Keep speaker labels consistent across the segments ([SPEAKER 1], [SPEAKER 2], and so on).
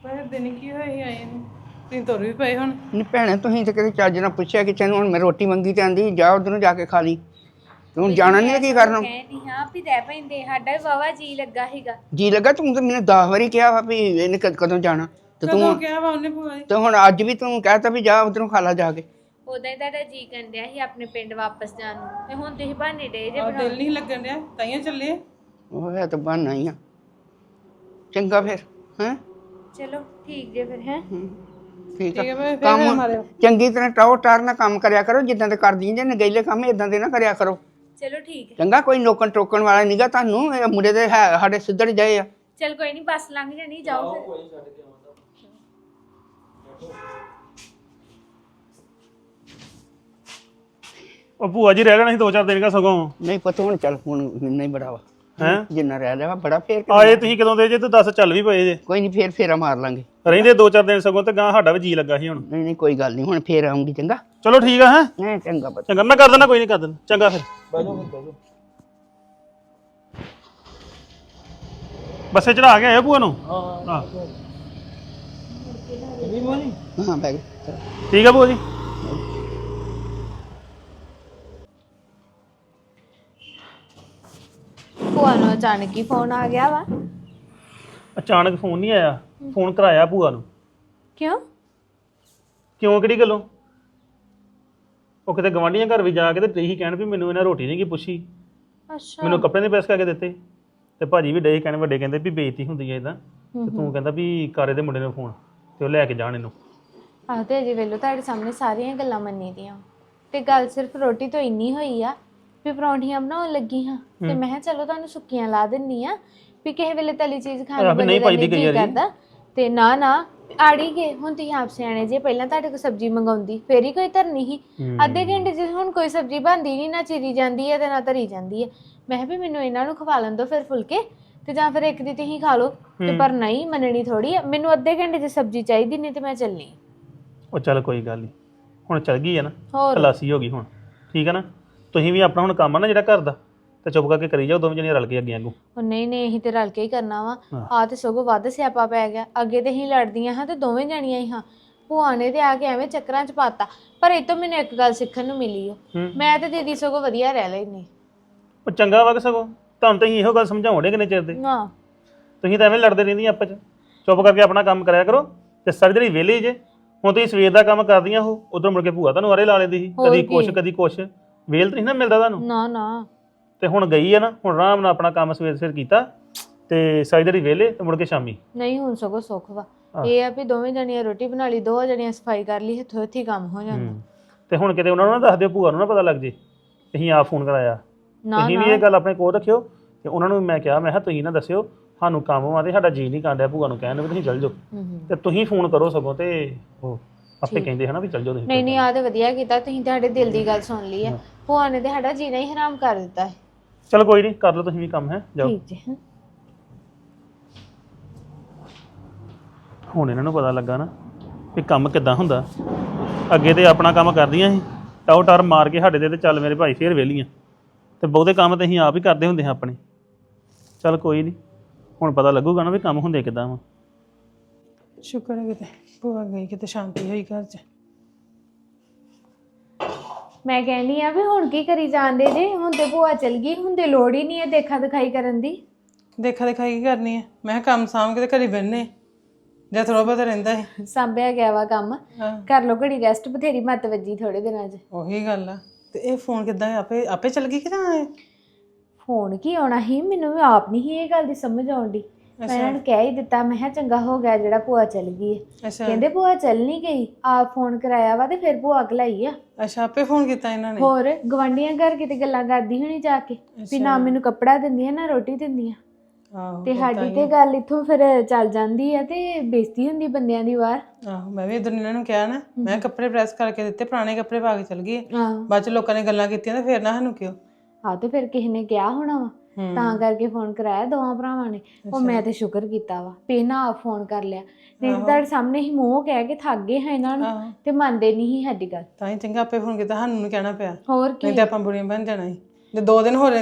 [SPEAKER 1] ਪਰ ਦਿਨ ਕੀ ਹੋਇਆ ਸੀ ਆਏ ਨੂੰ ਤੁਸੀਂ ਤੁਰ ਵੀ ਪਏ ਹੁਣ।
[SPEAKER 2] ਨਹੀਂ ਭੈਣੇ ਤੁਸੀਂ ਤਾਂ ਕਦੇ ਚੱਜ ਨਾਲ ਪੁੱਛਿਆ ਕਿ ਤੈਨੂੰ ਹੁਣ ਮੈਂ ਰੋਟੀ ਮੰਗੀ ਤੇ ਆਂਦੀ ਜਾ ਉਧਰੋਂ ਜਾ ਕੇ ਖਾ ਲਈ। ਤੂੰ ਜਾਣਾ ਨਹੀਂ ਕੀ ਕਰਨਾ?
[SPEAKER 3] ਕਹਿੰਦੀ ਹਾਂ ਵੀ ਰਹਿ ਪੈਂਦੇ, ਸਾਡਾ ਵੀ ਵਾਵਾ ਜੀ ਲੱਗਾ ਸੀਗਾ।
[SPEAKER 2] ਜੀ ਲੱਗਾ? ਤੂੰ ਤਾਂ ਮੈਨੂੰ 10 ਵਾਰੀ ਕਿਹਾ ਵਾ ਵੀ ਇਹਨੇ ਕਦੋਂ ਜਾਣਾ ਤੇ
[SPEAKER 1] ਕਦੋਂ ਕਿਹਾ ਵਾ ਉਹਨੇ ਭੂਆ ਜੀ?
[SPEAKER 2] ਤੇ ਹੁਣ ਅੱਜ ਵੀ ਤੂੰ ਕਹਿਤਾ ਵੀ ਜਾ ਉਧਰੋਂ ਖਾ ਲਾ ਜਾ ਕੇ।
[SPEAKER 3] ਉਦਾਂ ਹੀ ਤੁਹਾਡਾ ਜੀ ਕੰਡਿਆ ਸੀ ਆਪਣੇ ਪਿੰਡ ਵਾਪਸ ਜਾਣ ਨੂੰ, ਤੇ ਹੁਣ ਤੁਸੀਂ ਬਹਾਨੇ ਡੇ ਜੇ
[SPEAKER 1] ਦਿਲ ਨਹੀਂ ਲੱਗਣ ਡਿਆ ਤਾਈਆਂ ਚੱਲੇ।
[SPEAKER 2] ਉਹ ਹੈ ਤਾਂ ਬਹਾਨਾ ਹੀ ਆ। ਚੰਗਾ ਫਿਰ ਹੈਂ।
[SPEAKER 3] ਚਲੋ ਠੀਕ ਜੇ ਫਿਰ ਹੈ।
[SPEAKER 2] ਠੀਕ
[SPEAKER 1] ਠੀਕ ਹੈ
[SPEAKER 2] ਆ।
[SPEAKER 1] ਮੈਂ ਫਿਰ
[SPEAKER 2] ਕੰਮ
[SPEAKER 1] ਮਾਰਿਓ।
[SPEAKER 2] ਚੰਗੀ ਤਰ੍ਹਾਂ ਟਾਉ ਟਾਰ ਨਾਲ ਕੰਮ ਕਰਿਆ ਕਰੋ ਜਿੱਦਾਂ ਤੇ ਕਰਦੀ ਜੇ ਨਗੇਲੇ ਕੰਮ ਇਦਾਂ ਦੇ ਨਾ ਕਰਿਆ ਕਰੋ।
[SPEAKER 3] ਚਲੋ ਠੀਕ ਹੈ।
[SPEAKER 2] ਚੰਗਾ ਕੋਈ ਨੋਕਣ ਟੋਕਣ ਵਾਲਾ ਨਹੀਂਗਾ ਤੁਹਾਨੂੰ। ਇਹ ਮੁੰਡੇ ਦੇ ਹੈ ਸਾਡੇ ਸਿੱਧੜ ਜਾਏ ਆ।
[SPEAKER 3] ਚਲ ਕੋਈ ਨਹੀਂ, ਬੱਸ ਲੰਘ ਜਾਣੀ, ਜਾਓ ਫਿਰ।
[SPEAKER 4] ਉਹ ਭੂਆ ਜੀ ਰਹਿ ਲੈਣਾ ਸੀ 2-4 ਦਿਨ ਕਾ ਸਗੋਂ।
[SPEAKER 2] ਨਹੀਂ ਪਤਾ ਹੁਣ ਚੱਲ ਹੁਣ ਨਹੀਂ ਬੜਾ ਵਾ
[SPEAKER 4] ਹੈ
[SPEAKER 2] ਜਿੰਨਾ ਰਹਿ ਲਿਆ ਬੜਾ ਫੇਰ
[SPEAKER 4] ਆਏ ਤੁਸੀਂ ਕਦੋਂ ਦੇ ਜੇ ਤੂੰ ਦੱਸ ਚੱਲ ਵੀ ਪਏ ਜੇ।
[SPEAKER 2] ਕੋਈ ਨਹੀਂ ਫੇਰ ਫੇਰਾ ਮਾਰ ਲਾਂਗੇ।
[SPEAKER 4] ਰਹਿੰਦੇ 2-4 ਦਿਨ ਸਗੋਂ ਤੇ ਗਾਂ ਸਾਡਾ ਵੀ ਜੀ ਲੱਗਾ ਸੀ ਹੁਣ।
[SPEAKER 2] ਨਹੀਂ ਨਹੀਂ ਕੋਈ ਗੱਲ ਨਹੀਂ ਹੁਣ ਫੇਰ ਆਉਂਗੀ। ਚੰਗਾ
[SPEAKER 4] ਚਲੋ ਠੀਕ ਆ। ਹੈ
[SPEAKER 2] ਨਹੀਂ ਚੰਗਾ ਪਤਾ।
[SPEAKER 4] ਚੰਗਾ ਮੈਂ ਕਰ ਦਿੰਦਾ, ਕੋਈ ਨਹੀਂ ਕਰ ਦਿੰਦਾ। ਚੰਗਾ ਫਿਰ ਬੱਸੇ ਚੜਾ ਕੇ ਆਇਓ ਭੂਆ ਨੂੰ। ਹਾਂ
[SPEAKER 2] ਹਾਂ ਬੈਗ
[SPEAKER 4] ਠੀਕ ਆ ਭੂਆ ਜੀ।
[SPEAKER 3] ਭੂਆ ਨੂੰ ਅਚਾਨਕ ਹੀ ਫੋਨ ਆ ਗਿਆ ਵਾ।
[SPEAKER 4] ਅਚਾਨਕ ਫੋਨ ਨਹੀਂ ਆਇਆ, ਫੋਨ ਕਰਾਇਆ ਭੂਆ ਨੂੰ।
[SPEAKER 3] ਕਿਉਂ?
[SPEAKER 4] ਕਿਉਂ ਕਿਹੜੀ ਗੱਲੋਂ? ਉਹ ਕਿਤੇ ਗਵਾਂਢੀਆਂ ਘਰ ਵੀ ਜਾ ਕੇ ਤੇ ਇਹੀ ਕਹਿਣ ਵੀ ਮੈਨੂੰ ਇਹਨਾਂ ਰੋਟੀ ਨਹੀਂ ਕੀ ਪੁੱਛੀ,
[SPEAKER 3] ਅੱਛਾ।
[SPEAKER 4] ਮੈਨੂੰ ਕੱਪੜੇ ਨਹੀਂ ਪ੍ਰੈਸ ਕਰਕੇ ਦਿੱਤੇ। ਤੇ ਭਾਜੀ ਵੀ ਡੇ ਕਹਿਣ, ਵੱਡੇ ਕਹਿੰਦੇ ਵੀ ਬੇਇੱਜ਼ਤੀ ਹੁੰਦੀ ਹੈ ਇਦਾਂ। ਤੇ ਤੂੰ ਕਹਿੰਦਾ ਵੀ ਕਾਰੇ ਦੇ ਮੁੰਡੇ ਨੂੰ ਫੋਨ ਤੇ ਉਹ ਲੈ ਕੇ ਜਾਣ ਇਹਨੂੰ।
[SPEAKER 3] ਆਹ ਤੇ ਅਜੇ ਵੇਲੋ ਤੁਹਾਡੇ ਸਾਹਮਣੇ ਸਾਰੀਆਂ ਗੱਲਾਂ ਮੰਨੀ ਦੀਆਂ, ਤੇ ਗੱਲ ਸਿਰਫ ਰੋਟੀ ਤੋਂ ਇੰਨੀ ਹੋਈ ਆ ਵੀ ਪਰੌਂਠੀਆਂ ਬਣਾਉਣ ਲੱਗੀ ਹਾਂ, ਤੇ ਮੈਂ ਕਿਹਾ ਚਲੋ ਤੁਹਾਨੂੰ ਸੁੱਕੀਆਂ ਲਾ ਦਿੰਨੀ ਆ ਵੀ ਕਿਸੇ ਵੇਲੇ ਤਲੀ ਚੀਜ਼ ਖਾਣ ਨੂੰ ਬੰਦੇ ਦਾ ਨਹੀਂ ਜੀ ਕਰਦਾ। ਤੇ ਨਾ ਨਾ ਆੜੀ ਗਏ ਹੁਣ ਤੁਸੀਂ ਆਪ ਸਿਆਣੇ ਜੇ, ਪਹਿਲਾਂ ਤੁਹਾਡੇ ਕੋਲ ਸਬਜ਼ੀ ਮੰਗਾਉਂਦੀ ਫੇਰ ਹੀ ਕੋਈ ਧਰਨੀ ਸੀ। ਅੱਧੇ ਘੰਟੇ ਚ ਹੁਣ ਕੋਈ ਸਬਜ਼ੀ ਬਣਦੀ ਨਹੀਂ, ਨਾ ਚੀਰੀ ਜਾਂਦੀ ਹੈ ਤੇ ਨਾ ਧਰੀ ਜਾਂਦੀ ਹੈ। ਮੈਂ ਕਿਹਾ ਵੀ ਮੈਨੂੰ ਇਹਨਾਂ ਨੂੰ ਖਵਾ ਲੈਣ ਦਿਓ ਫਿਰ ਫੁਲਕੇ, ਤੇ ਜਾਂ ਫਿਰ ਇੱਕ ਦੀ ਤੁਸੀਂ ਖਾ ਲਓ। ਤੇ ਪਰ ਨਹੀਂ ਮੰਨਣੀ ਥੋੜੀ ਆ, ਮੈਨੂੰ ਅੱਧੇ ਘੰਟੇ ਚ ਸਬਜ਼ੀ ਚਾਹੀਦੀ, ਨਹੀਂ ਤੇ ਮੈਂ ਚੱਲਣੀ।
[SPEAKER 4] ਉਹ ਚੱਲ ਕੋਈ ਗੱਲ ਨਹੀਂ, ਹੁਣ ਚੱਲ ਗਈ ਹੈ ਨਾ,
[SPEAKER 3] ਹੋਰ
[SPEAKER 4] ਖਲਾਸੀ ਹੋ ਗਈ ਹੁਣ। ਠੀਕ ਹੈ ਨਾ, ਤੁਸੀਂ ਵੀ ਆਪਣਾ ਹੁਣ ਕੰਮ ਆ ਨਾ ਜਿਹੜਾ ਘਰ ਦਾ, ਤੇ ਚੁੱਪ ਕਰਕੇ ਕਰੀ ਜਾਓ ਦੋਵੇਂ ਜਣੀਆਂ ਰਲ ਕੇ ਅੱਗੇ ਆਗੂ।
[SPEAKER 3] ਉਹ ਨਹੀਂ ਨਹੀਂ, ਅਸੀਂ ਤੇ ਰਲ ਕੇ ਹੀ ਕਰਨਾ ਵਾ। ਆ ਤੇ ਸਗੋਂ ਵੱਧ ਸਿਆਪਾ ਪੈ ਗਿਆ। ਅੱਗੇ ਤੇ ਅਸੀਂ ਲੜਦੀਆਂ ਹਾਂ ਤੇ ਦੋਵੇਂ ਜਾਣੀਆਂ ਹੀ ਹਾਂ। ਭੂਆ ਨੇ ਤੇ ਆ ਕੇ ਐਵੇਂ ਚੱਕਰਾਂ 'ਚ ਪਾਤਾ। ਪਰ ਇਹ ਤੋਂ ਮੈਨੂੰ ਇੱਕ ਗੱਲ ਸਿੱਖਣ ਨੂੰ ਮਿਲੀ ਓ, ਮੈਂ ਤੇ ਦੀਦੀ ਸਗੋਂ ਵਧੀਆ ਰਹਿ ਲੈਣੀ।
[SPEAKER 4] ਉਹ ਚੰਗਾ ਵਾ ਕਿ ਸਗੋਂ ਤੁਹਾਨੂੰ ਤਾਂ ਅਸੀਂ ਇਹੋ ਗੱਲ ਸਮਝਾਉਂਦੇ ਕਿੰਨੇ ਚਿਰ ਦੇ।
[SPEAKER 3] ਹਾਂ
[SPEAKER 4] ਤੁਸੀਂ ਤਾਂ ਐਵੇਂ ਲੜਦੇ ਰਹਿੰਦੀਆਂ ਆਪਸ 'ਚ। ਚੁੱਪ ਕਰਕੇ ਆਪਣਾ ਕੰਮ ਕਰਿਆ ਕਰੋ ਤੇ ਸਾਰੀ ਜਿਹੜੀ ਵਿਹਲੀ ਜੇ। ਹੁਣ ਤੁਸੀਂ ਸਵੇਰ ਦਾ ਕੰਮ ਕਰਦੀਆਂ ਉਹ, ਉਧਰ ਮੁੜ ਕੇ ਭੂਆ ਤੁਹਾਨੂੰ ਆਰੇ ਲਾ ਲੈਂਦੀ ਸੀ, ਕਦੀ ਕੁਛ ਕਦੀ ਕੁਛ। ਵੇਲ ਤਾਂ ਨਹੀਂ ਨਾ ਮਿਲਦਾ ਤੁਹਾਨੂੰ।
[SPEAKER 3] ਨਾ ਨਾ,
[SPEAKER 4] ਤੇ ਹੁਣ ਗਈ ਹੈ ਨਾ, ਹੁਣ ਆਰਾਮ ਨਾਲ ਆਪਣਾ ਕੰਮ ਸਵੇਰ ਸਿਰ ਕੀਤਾ ਤੇ ਸਾਰੀ ਜਿਹੜੀ ਵਿਹਲੇ ਤੇ ਮੁੜ ਕੇ ਸ਼ਾਮੀ।
[SPEAKER 3] ਨਹੀਂ ਹੁਣ ਸਗੋਂ ਸੁੱਖ ਵਾ। ਇਹ ਆ ਵੀ ਦੋਵੇਂ ਜਣੀਆਂ ਰੋਟੀ ਬਣਾ ਲਈ, ਦੋ ਜਣੀਆਂ ਸਫਾਈ ਕਰ ਲਈ, ਹੱਥੋਂ ਹੱਥੀ ਕੰਮ ਹੋ ਜਾਂਦਾ।
[SPEAKER 4] ਤੇ ਹੁਣ ਕਿਤੇ ਉਹਨਾਂ ਨੂੰ ਨਾ ਦੱਸ ਦਿਓ, ਭੂਆ ਨੂੰ ਨਾ ਪਤਾ ਲੱਗ ਜੇ ਅਸੀਂ ਆਪ ਫੋਨ ਕਰਾਇਆ। ਤੁਸੀਂ ਵੀ ਇਹ ਗੱਲ ਆਪਣੇ ਕੋਲ ਰੱਖਿਓ ਤੇ ਉਹਨਾਂ ਨੂੰ ਮੈਂ ਕਿਹਾ, ਮੈਂ ਕਿਹਾ ਤੁਸੀਂ ਨਾ ਦੱਸਿਓ ਸਾਨੂੰ ਕੰਮ ਆ ਤੇ ਸਾਡਾ ਜੀ ਨਹੀਂ ਕਰਦਾ ਭੂਆ ਨੂੰ ਕਹਿਣ ਵੀ ਤੁਸੀਂ ਚੱਲ ਜਾਓ, ਤੇ ਤੁਸੀਂ ਫੋਨ ਕਰੋ ਸਗੋਂ। ਤੇ ਉਹ ਆਪੇ ਕਹਿੰਦੇ ਹਨਾ ਵੀ ਚੱਲ ਜਾਓ ਤੁਸੀਂ।
[SPEAKER 3] ਨਹੀਂ ਨਹੀਂ, ਆ ਤੇ ਵਧੀਆ ਕੀਤਾ ਤੁਸੀਂ, ਤੁਹਾਡੇ ਦਿਲ ਦੀ ਗੱਲ ਸੁਣ ਲਈ ਆ। ਭੂਆ ਨੇ ਤੇ ਸਾਡਾ ਜੀਣਾ ਹੀ ਹਰਾਮ ਕਰ ਦਿੱਤਾ ਹੈ।
[SPEAKER 4] ਚਲ ਕੋਈ ਨਹੀਂ, ਕਰ ਲਓ ਤੁਸੀਂ ਵੀ ਕੰਮ। ਹੈ ਜਾਓ।
[SPEAKER 3] ਠੀਕ ਜੀ।
[SPEAKER 4] ਹੁਣ ਇਹਨਾਂ ਨੂੰ ਪਤਾ ਲੱਗਾ ਨਾ ਵੀ ਕੰਮ ਕਿੱਦਾਂ ਹੁੰਦਾ। ਅੱਗੇ ਤੇ ਆਪਣਾ ਕੰਮ ਕਰਦੀਆਂ ਸੀ, ਟਾਉ ਟਰ ਮਾਰ ਕੇ ਸਾਡੇ ਤੇ ਚੱਲ ਮੇਰੇ ਭਾਈ ਫੇਰ ਵਿਹਲੀਆਂ। ਤੇ ਬਹੁਤੇ ਕੰਮ ਤੇ ਅਸੀਂ ਆਪ ਹੀ ਕਰਦੇ ਹੁੰਦੇ ਹਾਂ ਆਪਣੇ। ਚੱਲ ਕੋਈ ਨਹੀਂ, ਹੁਣ ਪਤਾ ਲੱਗੂਗਾ ਨਾ ਵੀ ਕੰਮ ਹੁੰਦੇ ਕਿੱਦਾਂ ਵਾ।
[SPEAKER 1] ਸ਼ੁਕਰ ਹੈ ਕਿਤੇ ਭੂਆ ਗਈ, ਕਿਤੇ ਸ਼ਾਂਤੀ ਹੋਈ ਘਰ 'ਚ।
[SPEAKER 3] ਮੈਂ ਕਹਿੰਦੀ ਆ ਵੀ ਹੁਣ ਕੀ ਕਰੀ ਜਾਂਦੇ ਜੇ, ਹੁਣ ਤੇ ਭੂਆ ਚਲ ਗਈ, ਹੁਣ ਤੇ ਲੋੜ ਹੀ ਨਹੀਂ ਹੈ ਦੇਖਾ ਦਿਖਾਈ ਕਰਨ ਦੀ।
[SPEAKER 1] ਦੇਖਾ ਦਿਖਾਈ ਕੀ ਕਰਨੀ ਹੈ? ਮੈਂ ਕਿਹਾ ਕੰਮ ਸਾਂਭ ਕੇ ਤੇ ਘਰੇ ਬਹਿਨੇ ਜਾਂ ਥੋੜਾ ਬਹੁਤਾ ਰਹਿੰਦਾ ਹੈ।
[SPEAKER 3] ਸਾਂਭਿਆ ਗਿਆ ਵਾ ਕੰਮ, ਕਰ ਲੋ ਘੜੀ ਰੈਸਟ, ਬਥੇਰੀ ਮੱਤ ਵੱਜੀ ਥੋੜੇ ਦਿਨਾਂ 'ਚ।
[SPEAKER 1] ਉਹੀ ਗੱਲ ਆ। ਤੇ ਇਹ ਫੋਨ ਕਿੱਦਾਂ ਆਪੇ ਆਪੇ ਚੱਲ ਗਈ ਕਿ ਜਾਂ
[SPEAKER 3] ਫੋਨ ਕੀ ਆਉਣਾ ਸੀ? ਮੈਨੂੰ ਵੀ ਆਪ ਨਹੀਂ ਸੀ ਇਹ ਗੱਲ ਦੀ ਸਮਝ ਆਉਂਦੀ। ਮੈਂ ਇਹਨਾਂ ਨੂੰ ਕਹਿ ਹੀ ਦਿੱਤਾ, ਮੈਂ ਕਿਹਾ ਚੰਗਾ ਹੋ ਗਿਆ ਜਿਹੜਾ ਭੂਆ ਚਲ ਗਈ ਹੈ। ਕਹਿੰਦੇ ਭੂਆ ਚੱਲ ਨਹੀਂ ਗਈ, ਆਪ ਫੋਨ ਕਰਾਇਆ ਵਾ ਤੇ ਫਿਰ ਭੂਆ ਘਲਾਈ ਆ।
[SPEAKER 1] ਅੱਛਾ, ਆਪੇ ਫੋਨ ਕੀਤਾ ਇਹਨਾਂ ਨੇ?
[SPEAKER 3] ਹੋਰ ਗਵਾਂਢੀਆਂ ਘਰ ਕਿਤੇ ਗੱਲਾਂ ਕਰਦੀ ਹੋਣੀ ਜਾ ਕੇ ਵੀ ਨਾ ਮੈਨੂੰ ਕੱਪੜਾ ਦਿੰਦੀਆਂ ਨਾ ਰੋਟੀ ਦਿੰਦੀਆਂ। ਤੇ ਸਾਡੀ ਤੇ ਗੱਲ ਇੱਥੋਂ ਫਿਰ ਚੱਲ ਜਾਂਦੀ ਆ ਤੇ ਬੇਇੱਜ਼ਤੀ ਹੁੰਦੀ ਬੰਦਿਆਂ ਦੀ ਬਾਹਰ।
[SPEAKER 1] ਆਹੋ, ਮੈਂ ਵੀ ਇਧਰ ਇਹਨਾਂ ਨੂੰ ਕਿਹਾ ਨਾ, ਮੈਂ ਕੱਪੜੇ ਪ੍ਰੈਸ ਕਰਕੇ ਦਿੱਤੇ, ਪੁਰਾਣੇ ਕੱਪੜੇ ਪਾ ਕੇ ਚਲ ਗਈ। ਬਾਅਦ ਚ ਲੋਕਾਂ ਨੇ ਗੱਲਾਂ ਕੀਤੀਆਂ ਤੇ ਫਿਰ ਨਾ ਸਾਨੂੰ ਕਿਉਂ।
[SPEAKER 3] ਹਾਂ ਤੇ ਫਿਰ ਕਿਸੇ ਨੇ ਕਿਹਾ ਹੋਣਾ ਵਾ, ਤਾਂ ਕਰਕੇ ਫੋਨ ਕਰਾਇਆ ਦੋਵਾਂ ਭਰਾਵਾਂ ਨੇ। ਉਹ ਮੈਂ ਤੇ ਸ਼ੁਕਰ ਕੀਤਾ ਵਾ ਵੀ ਨਾ ਆਪ ਫੋਨ ਕਰ ਲਿਆ, ਨਹੀਂ ਤੁਹਾਡੇ ਸਾਹਮਣੇ ਹੀ ਮੂੰਹ ਕਹਿ ਕੇ ਥੱਕ ਗਏ ਹਾਂ ਇਹਨਾਂ ਨੂੰ ਤੇ ਮੰਨਦੇ ਨਹੀਂ ਸੀ ਸਾਡੀ ਗੱਲ।
[SPEAKER 1] ਤਾਂ ਹੀ ਚੰਗਾ ਆਪੇ ਫੋਨ ਕੀਤਾ, ਸਾਨੂੰ ਨੀ ਕਹਿਣਾ ਪਿਆ।
[SPEAKER 3] ਹੋਰ ਕੀ,
[SPEAKER 1] ਨਹੀਂ ਤੇ ਆਪਾਂ ਬੁਰੀਆਂ ਬਣ ਜਾਣਾ ਸੀ। ਜੇ 2 ਦਿਨ ਹੋ ਰਹਿੰਦੀ ਨਾ